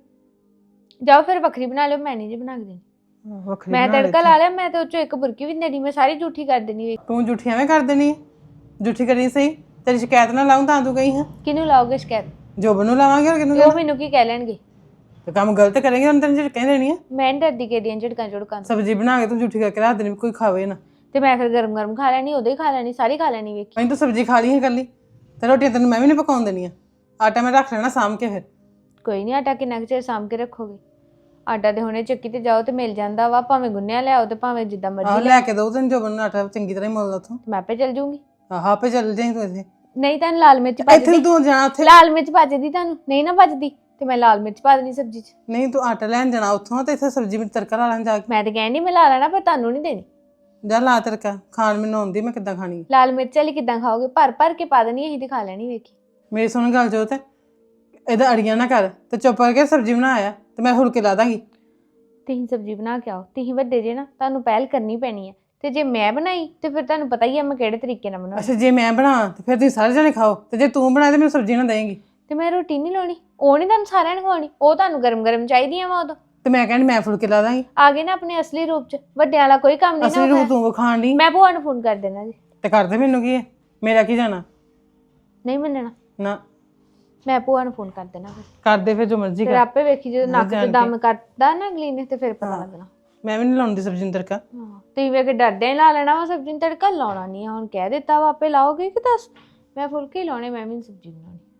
[SPEAKER 3] ਜਾਓ ਫਿਰ ਵੱਖਰੀ ਬਣਾ ਲਿਓ, ਮੈਂ ਨਹੀਂ ਜੀ ਬਣਾ ਕੇ ਦੇਣੀ।
[SPEAKER 1] ਵੱਖਰੀ
[SPEAKER 3] ਮੈਂ
[SPEAKER 1] ਬਣਾ
[SPEAKER 3] ਤੜਕਾ
[SPEAKER 1] ਲਈ।
[SPEAKER 3] ਲਾ ਲਿਆ, ਮੈਂ ਤੇ ਉਹ ਚੋਂ ਇੱਕ ਬੁਰਕੀ ਵੀ ਨਹੀਂ ਦੇਣੀ, ਮੈਂ ਸਾਰੀ ਝੂਠੀ ਕਰ ਦੇਣੀ। ਵੇਖ
[SPEAKER 1] ਤੂੰ ਝੂਠੀ ਐਵੇਂ ਕਰ ਦੇਣੀ ਹੈ, ਝੂਠੀ ਕਰੀ ਸਹੀ। ਤੇਰੀ ਸ਼ਿਕਾਇਤ ਨਾ ਲਾਉਂ ਤਾਂ ਤੂੰ ਗਈ ਹਾਂ।
[SPEAKER 3] ਕਿਹਨੂੰ ਲਾਓਗੇ ਸ਼ਿਕਾਇਤ?
[SPEAKER 1] ਜੋਬਨ ਨੂੰ ਲਾਵਾਂਗੇ ਹੋਰ ਕਿਹਨੂੰ?
[SPEAKER 3] ਤੇ ਉਹ ਮੈਨੂੰ ਕੀ ਕਹਿ ਲੈਣਗੇ?
[SPEAKER 1] ਤੇ ਕੰਮ ਗਲਤ ਕਰੇਂਗੇ ਉਹਨਾਂ ਤੈਨੂੰ ਝਟਕਾਂ ਦੇਣੀ ਆ।
[SPEAKER 3] ਮੈਂ ਨੀ ਡਰਦੀ ਕਿਹਦੀਆਂ ਝਟਕਾਂ ਝੁੜਕਾਂ ਤੋਂ।
[SPEAKER 1] ਸਬਜ਼ੀ ਬਣਾ ਕੇ ਤੂੰ ਝੂਠੀ ਕਰਕੇ ਰੱਖ ਦੇਣੀ, ਕੋਈ ਖਾਵੇ ਨਾ।
[SPEAKER 3] ਤੇ ਮੈਂ ਫਿਰ ਗਰਮ-ਗਰਮ ਖਾ ਲੈਣੀ, ਉਦੋਂ ਹੀ ਖਾ ਲੈਣੀ, ਸਾਰੀ ਖਾ ਲੈਣੀ। ਵੇਖੀ
[SPEAKER 1] ਮੈਂ ਤਾਂ ਸਬਜ਼ੀ ਖਾ ਲਈ ਹੈ ਇਕੱਲੀ, ਤੇ ਰੋਟੀਆਂ ਤੈਨੂੰ ਮੈਂ ਵੀ ਨਹੀਂ ਪਕਾਉਣ ਦੇਣੀਆਂ। ਆਟਾ ਮੈਂ ਰੱਖ ਲੈਣਾ ਸਾਂਭ ਕੇ ਫਿਰ।
[SPEAKER 3] ਕੋਈ ਨਹੀਂ, ਆਟਾ ਕਿੰਨਾ ਕੁ ਚਿਰ ਸਾਂਭ ਕੇ ਰੱਖੋਗੇ? ਆਟਾ ਤੇ ਹੁਣੇ ਚੱਕੀ ਤੇ ਜਾਓ ਤੇ ਮਿਲ ਜਾਂਦਾ ਵਾ, ਭਾਵੇਂ ਗੁੰਨਿਆ ਲਿਆਓ ਤੇ ਭਾਵੇਂ ਜਿੱਦਾਂ
[SPEAKER 1] ਆਹ
[SPEAKER 3] ਮਰਜ਼ੀ
[SPEAKER 1] ਲੈ ਕੇ ਦੋ ਤੈਨੂੰ ਜੋਬਨ ਨੂੰ ਆਟਾ ਚੰਗੀ ਤਰ੍ਹਾਂ ਹੀ ਮੁੱਲਦਾ ਉੱਥੋਂ।
[SPEAKER 3] ਮੈਂ ਆਪੇ ਚੱਲ ਜੂੰਗੀ।
[SPEAKER 1] ਆਹ ਆਪੇ ਚੱਲ ਜਾਈਂ ਤੂੰ ਇੱਥੇ।
[SPEAKER 3] ਨਹੀਂ ਤਾਂ ਲਾਲ ਮਿਰਚ
[SPEAKER 1] ਇੱਥੇ
[SPEAKER 3] ਭੱਜਦੀ,
[SPEAKER 1] ਤੂੰ ਜਾਣਾ ਉੱਥੇ।
[SPEAKER 3] ਲਾਲ ਮਿਰਚ ਭੱਜਦੀ ਤੁਹਾਨੂੰ ਨਹੀਂ ਨਾ ਭੱਜਦੀ, ਤੇ ਮੈਂ ਲਾਲ ਮਿਰਚ ਪਾ ਦੇਣੀ ਸਬਜ਼ੀ 'ਚ।
[SPEAKER 1] ਨਹੀਂ ਤੂੰ ਆਟਾ ਲੈਣ ਜਾਣਾ ਉੱਥੋਂ ਤੇ ਇੱਥੇ ਸਬਜ਼ੀ ਵਿੱਚ ਤੜਕਾ ਲਾ ਲੈਣ ਜਾ ਕੇ।
[SPEAKER 3] ਮੈਂ ਤੇ ਕਹਿੰਦੀ ਮੈਂ ਲਾ ਲੈਣਾ, ਪਰ ਤੁਹਾਨੂੰ ਨਹੀਂ ਦੇਣੀ।
[SPEAKER 1] ਜਾ ਲਾ ਤੜਕਾ, ਖਾਣ ਮੈਨੂੰ ਆਉਂਦੀ, ਮੈਂ ਕਿੱਦਾਂ ਖਾਣੀ ਹੈ।
[SPEAKER 3] ਲਾਲ ਮਿਰਚ ਵਾਲੀ ਕਿੱਦਾਂ ਖਾਓਗੇ? ਭਰ-ਭਰ ਕੇ ਪਾ ਦੇਣੀ, ਅਸੀਂ ਤੇ ਖਾ ਲੈਣੀ। ਵੇਖੀ
[SPEAKER 1] ਮੇਰੀ ਸੁਣ ਗੱਲ ਜੋਤ, ਇਹਦਾ ਅੜੀਆਂ ਨਾ ਕਰ ਤੇ ਚੁੱਪ ਕਰਕੇ ਸਬਜ਼ੀ ਬਣਾ ਆ ਤੇ ਮੈਂ ਫੁਲਕੇ ਲਾ ਦਾਂਗੀ।
[SPEAKER 3] ਤੁਸੀਂ ਸਬਜ਼ੀ ਬਣਾ ਕੇ ਆਓ, ਤੁਸੀਂ ਵੱਡੇ ਜੇ ਨਾ, ਤੁਹਾਨੂੰ ਪਹਿਲ ਕਰਨੀ ਪੈਣੀ ਹੈ। ਤੇ ਜੇ ਮੈਂ ਬਣਾਈ ਤੇ ਫਿਰ ਤੁਹਾਨੂੰ ਪਤਾ ਹੀ ਹੈ ਮੈਂ ਕਿਹੜੇ ਤਰੀਕੇ ਨਾਲ ਬਣਾਉਣੀ।
[SPEAKER 1] ਅੱਛਾ ਜੇ ਮੈਂ ਬਣਾ ਤੇ ਫਿਰ ਤੁਸੀਂ ਸਾਰੇ ਜਣੇ ਖਾਓ, ਤੇ ਜੇ ਤੂੰ ਬਣਾਏ ਤੇ ਮੈਨੂੰ ਸਬਜ਼ੀ ਨਾ ਦੇਂਗੀ।
[SPEAKER 3] ਤੇ ਮੈਂ ਰੋਟੀ ਨਹੀਂ ਲਾਉਣੀ, ਉਹ ਨਹੀਂ ਤੁਹਾਨੂੰ ਸਾਰਿਆਂ ਨੂੰ ਖਵਾਉਣੀ, ਉਹ ਤੁਹਾਨੂੰ ਗਰਮ-ਗਰਮ ਚਾਹੀਦੀਆਂ ਵਾ ਉਦੋਂ।
[SPEAKER 1] ਤੇ ਮੈਂ ਕਹਿੰਦੀ ਮੈਂ ਫੁਲਕੇ ਲਾ ਦਾਂਗੀ।
[SPEAKER 3] ਆ ਗਏ ਨਾ ਆਪਣੇ ਅਸਲੀ ਰੂਪ 'ਚ, ਵੱਡਿਆਂ ਵਾਲਾ ਕੋਈ ਕੰਮ ਨਹੀਂ
[SPEAKER 1] ਅਸਲੀ
[SPEAKER 3] ਨਾ
[SPEAKER 1] ਰੂਪ ਤੂੰ ਖਾਣ ਦੀ।
[SPEAKER 3] ਮੈਂ ਭੂਆ ਨੂੰ ਫੋਨ ਕਰ ਦੇਣਾ ਜੀ।
[SPEAKER 1] ਤੇ ਕਰਦੇ ਮੈਨੂੰ ਕੀ ਹੈ, ਮੇਰਾ ਕੀ ਜਾਣਾ।
[SPEAKER 3] ਨਹੀਂ ਮੰਨਣਾ,
[SPEAKER 1] ਨਾ
[SPEAKER 3] ਮੈਂ ਭੂਆ ਨੂੰ ਫੋਨ ਕਰ ਦੇਣਾ। ਫਿਰ
[SPEAKER 1] ਕਰਦੇ ਫਿਰ ਜੋ ਮਰਜ਼ੀ
[SPEAKER 3] ਫਿਰ
[SPEAKER 1] ਕਰ।
[SPEAKER 3] ਆਪੇ ਵੇਖੀ ਜਦੋਂ ਨੱਕ 'ਚ ਦਮ ਕੱਟਦਾ ਨਾ ਅਗਲੀ ਨੇ, ਤੇ ਫਿਰ ਪਤਾ ਲੱਗਣਾ।
[SPEAKER 1] ਮੈਂ ਵੀ ਨਹੀਂ ਲਾਉਂਦੀ ਸਬਜ਼ੀ ਨੂੰ ਤੜਕਾ।
[SPEAKER 3] ਹਾਂ, ਤੁਸੀਂ ਵੇਖ ਕੇ ਡਰਦੇ ਹੀ ਲਾ ਲੈਣਾ ਵਾ ਸਬਜ਼ੀ ਨੂੰ ਤੜਕਾ। ਲਾਉਣਾ ਨਹੀਂ ਆ, ਹੁਣ ਕਹਿ ਦਿੱਤਾ ਵਾ ਆਪੇ ਲਾਓਗੇ ਕਿ ਦੱਸ। ਮੈਂ ਫੁਲਕੇ ਹੀ ਲਾਉਣੇ, ਮੈਂ ਵੀ ਨੀ ਸਬਜ਼ੀ ਬਣਾਉਣੀ।